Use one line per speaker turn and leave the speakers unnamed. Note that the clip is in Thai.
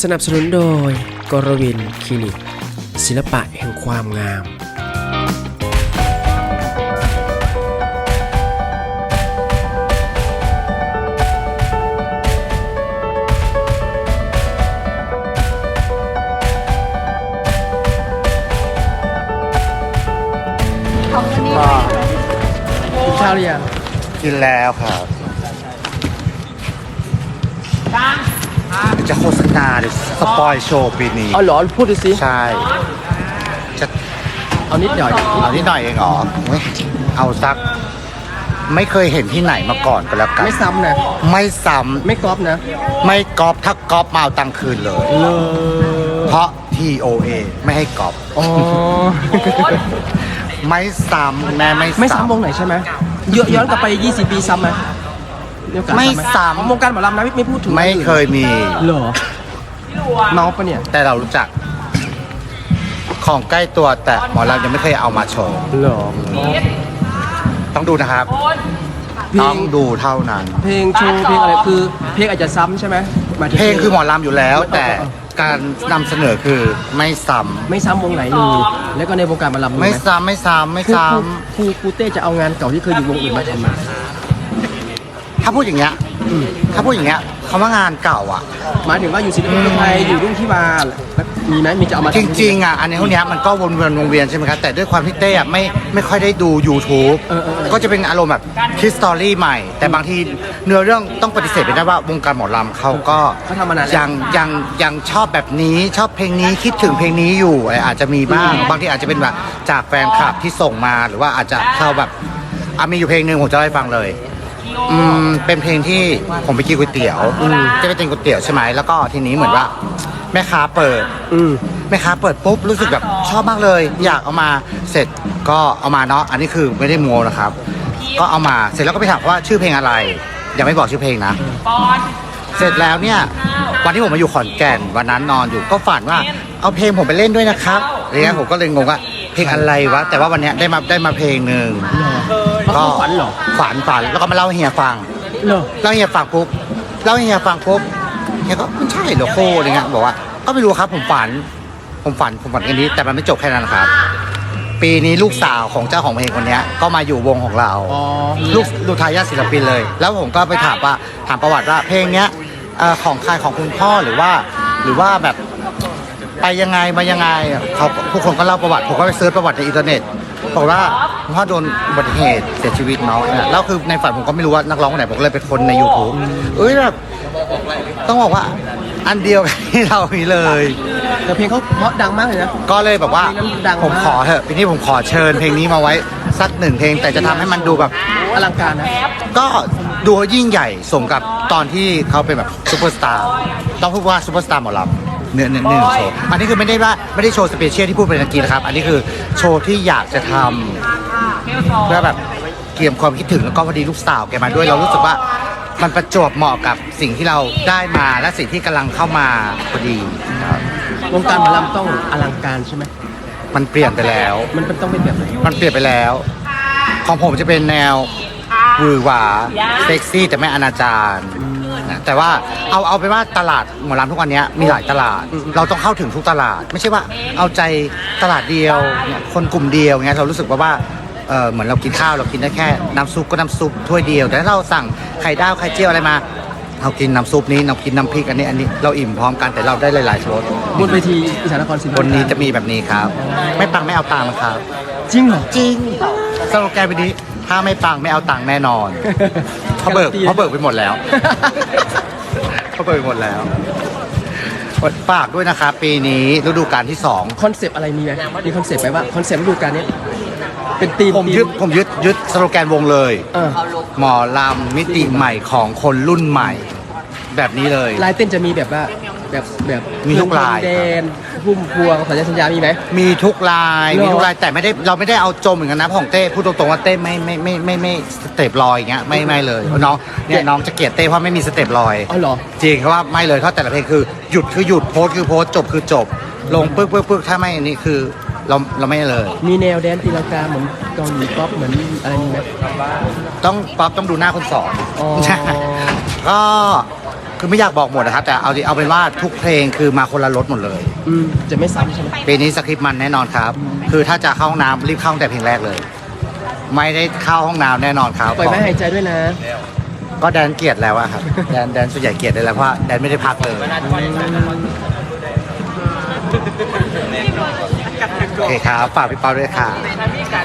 สนับสนุนโดยกรวินคลินิกศิลปะแห่งความงามกินข้าวหรือยัง
กินแล้วครับจะโฆษณาหรือสปอยโชว์ปีนี้
เอาหรอพูดดูสิ
ใช่จะ
เอานิดหน่อย
เอานิดหน่อยเองเหรอเว้ยเอาสักไม่เคยเห็นที่ไหนมาก่อนก็แล้วกัน
ไม่ซ้ำนะ
ไม่ซ้
ไม่ก๊อปนะ
ำไม่ก๊อปถ้าก๊อปมาเอาตังค์คืนเลย เพราะ TOA ไม่ให้ก๊อป
อ๋อ
ไม่ซ้ำแม่ไม่
ไม่ซ้ำวงไหนใช่ไหมย้อนกลับไป20 ปีซ้ำไหมโอกาส
ไม่
ห
ซ้ำ
วงการหมอลำนะไม่พูดถึง
ไม่เคยมี
เหรอเมาปะเนี่ย
แต่เรารู้จัก ของใกล้ตัวแต่หมอเรายังไม่เคยเอามาโชว์
เหรอ
ต้องดูนะครับ
เพล
ต้อง งดูเท่านั้น
เพลงโชว์เพลงอะไรคือเพลงอาจจะซ้ำใช่ไหมหมายถึ
เพลงคือหมอลำอยู่แล้ว
เออ
แต่การนำเสนอคือไม่ซ้
ไม่ซ้ำวงไหนเลยแล้วก็ในวงการหมอลำ
ำ
มี
ไม่
ไหม
ซ้ำไม่ซ้ำไม่ซ้
ครูเต้จะเอางานเก่าที่เคยอยู่วงอื่นมาทำไหม
ำถ้าพูดอย่างเงี้ยถ้าพูดอย่างเงี้ยคำว่างานเก่าอ่ะ
หมายถึงว่าอยู่ศิลปินคนไทยอยู่รุ่นที่มามีไหมมีจะเอามา
จริงๆอ่ะอันนี้พวกเนี้ยมันก็วนเวียนใช่ไหมครับแต่ด้วยความที่เต้อ่ะไม่ค่อยได้ดู YouTube ก็จะเป็นอารมณ์แบบคิดสตอรี่ใหม่ แต่บางทีเนื้อเรื่องต้องปฏิเสธไปได้ว่าวงการหมอลำเขาก็
เขาทำมานานแล้ว
ยังชอบแบบนี้ชอบเพลงนี้คิดถึงเพลงนี้อยู่อาจจะมีบ้างบางทีอาจจะเป็นแบบจากแฟนคลับที่ส่งมาหรือว่าอาจจะเข้าแบบมีอยู่เพลงหนึ่งผมจะเล่าให้ฟังเลยเป็นเพลงที่ผมไปกินก๋วยเตี๋ยวจะไปกินก๋วยเตี๋ยวใช่ไหมแล้วก็ทีนี้เหมือนว่าแม่ค้าเปิดแม่ค้าเปิดปุ๊บรู้สึกแบบชอบมากเลย อยากเอามาเสร็จก็เอามาเนาะอันนี้คือไม่ได้โม้นะครับ ก็เอามาเสร็จแล้วก็ไปถามว่าชื่อเพลงอะไรยังไม่บอกชื่อเพลงนะเสร็จแล้วเนี่ยวันที่ผมมาอยู่ขอนแก่นวันนั้นนอนอยู่ก็ฝันว่าเอาเพลงผมไปเล่นด้วยนะครับอะไรเงี้ยผมก็เลยงงว่าเพลงอะไรวะแต่ว่าวันเนี้ยได้มาเพลงหนึ่ง
ก็ฝันเหรอ
ฝันแล้วก็มาเล่าให้เฮียฟัง
เหรอ
เล่าให้เฮียฟังปุ๊บเฮียก็มันใช่เหรอโคอะไรเงี้ยบอกว่าก็ไม่รู้ครับผมฝันแค่นี้แต่มันไม่จบแค่นั้นครับ ปีนี้ลูกสาวของเจ้าของเพลงคนเนี้ยก็มาอยู่วงของเรา
อ๋อ
ลูกทายาทศิลปินเลย แล้วผมก็ไปถามประวัติว่าเพลงเนี้ยของใครของคุณพ่อหรือว่าแบบไปยังไงมายังไงเขาทุกคนก็เล่าประวัติผมก็ไปเซิร์ชประวัติในอินเทอร์เน็ตบอกว่าคุณพ่อโดนอุบัติเหตุเสียชีวิตเนาะแล้วคือในฝันผมก็ไม่รู้ว่านักร้องคนไหนผมก็เลยไปค้นใน YouTube แบบต้องบอกว่าอันเดียวกันที่เรามีเลย
แต่เพลงเขาเพราะดังมากเลยนะ
ก็เลยแบบว่า
เพลงนั้นดังมาก
ผมขอเถอะปีนี้ผมขอเชิญเพลงนี้มาไว้สักหนึ่งเพลงแต่จะทำให้มันดูแบบ
อลังการนะ
ก็ดูยิ่งใหญ่สมกับตอนที่เขาเป็นแบบซูเปอร์สตาร์ต้องพูดว่าซูเปอร์สตาร์หมอลำเนื้อโชว์อันนี้คือไม่ได้โชว์สเปเชียลที่พูดไปเมื่อกี้นะครับอันนี้คือโชว์ที่อยากจะทำเพื่อแบบเกี่ยมความคิดถึงแล้วก็พอดีลูกสาวแกมาด้วยเรารู้สึกว่ามันประจวบเหมาะกับสิ่งที่เราได้มาและสิ่งที่กำลังเข้ามาพอดีครับ
วงการหมอลำต้องอลังการใช่ไหม
มันเปลี่ยนไปแล้ว
มันต้องเป็นแบบไหน
มันเปลี่ยนไปแล้ว ของผมจะเป็นแนวหวือหวาเซ็กซี่แต่ไม่อนาจารนะแต่ว่าเอาไปนว่าตลาดหมอลำทุกวันนี้มีหลายตลาด เราต้องเข้าถึงทุกตลาด ไม่ใช่ว่าเอาใจตลาดเดียวเนี่ยคนกลุ่มเดียวเงี้ยเรารู้สึกว่าเหมือนเรากินข้าวเรากินได้แค่น้ำซุปก็น้ำซุปถ้วยเดียวแต่ถ้าเราสั่งไข่ดาวไข่เจียวอะไรมาเรากินน้ำซุปนี้เรากินน้ำพริกอันนี้เราอิ่มพร้อมกันแต่เราได้หลายๆรส
บนเวทีอีสานนครศรี
บนนี้จะมีแบบนี้ครับ ไม่ปังไม่เอาตังค์นะครับ
จริงเหรอ
จริงสโลแกนวันนี้ถ้าไม่ปังไม่เอาตังค์แน่นอนเขาเบิกไปหมดแล้วเขาเบิกไปหมดแล้วฝากด้วยนะครับปีนี้ฤดูกาลที่2
คอนเซปต์อะไรมีไหมมีคอนเซปต์ไหมว่าคอนเซปต์ฤดูกาลนี้เป็นธีม
ผมยึดสโลแกนวงเลย
เออ
หมอลำมิติใหม่ของคนรุ่นใหม่ แบบนี้เลย
ลายเต้นจะมีแบบว่าแบบ
มีทุกลาย
แดนพุ่มพวงสัญญามีไหม
มีทุกลาย
เหรอ
มีทุกลายแต่เราไม่ได้เอาจมเหมือนกันนะของเต้พูดตรงๆว่าเต้ไม่สเต็ปลอยอย่างเงี้ยไม่เลยน้องเนี่ยน้องจะเกลียดเต้เพราะไม่มีสเต็ปลอย
อ๋อเหรอ
จริงเพราะว่าไม่เลยเพราะแต่ละเพลงคือหยุดคือหยุดโพสคือโพสจบคือจบ ลงปึ๊กถ้าไม่อันนี้คือเราไม่เลย
มีแนวแดนตีลังกาเหมือนเกาหลีป๊อปเหมือนอะไรมีไหม
ต้องป๊อปต้องดูหน้าคนสอน
อ๋อ
ก็คือไม่อยากบอกหมดนะครับ แต่เอาเป็นว่าทุกเพลงคือมาคนละรสหมดเลย
จะไม่ซ้ำใช่ไหม
ปีนี้สคริปต์มันแน่นอนครับ คือถ้าจะเข้าห้องน้ำรีบเข้าตั้งแต่เพลงแรกเลย ไม่ได้เข้าห้องน้ำแน่นอนครับ
ปล่อยแม่หายใจด้วยนะ
ก็แดนเกลียดแล้วอะครับ แดนส่วนใหญ่เกลียดได้แล้วเพราะว่าแดนไม่ได้พักเลยโอเคครับฝากพี่เปาด้วยค่ะ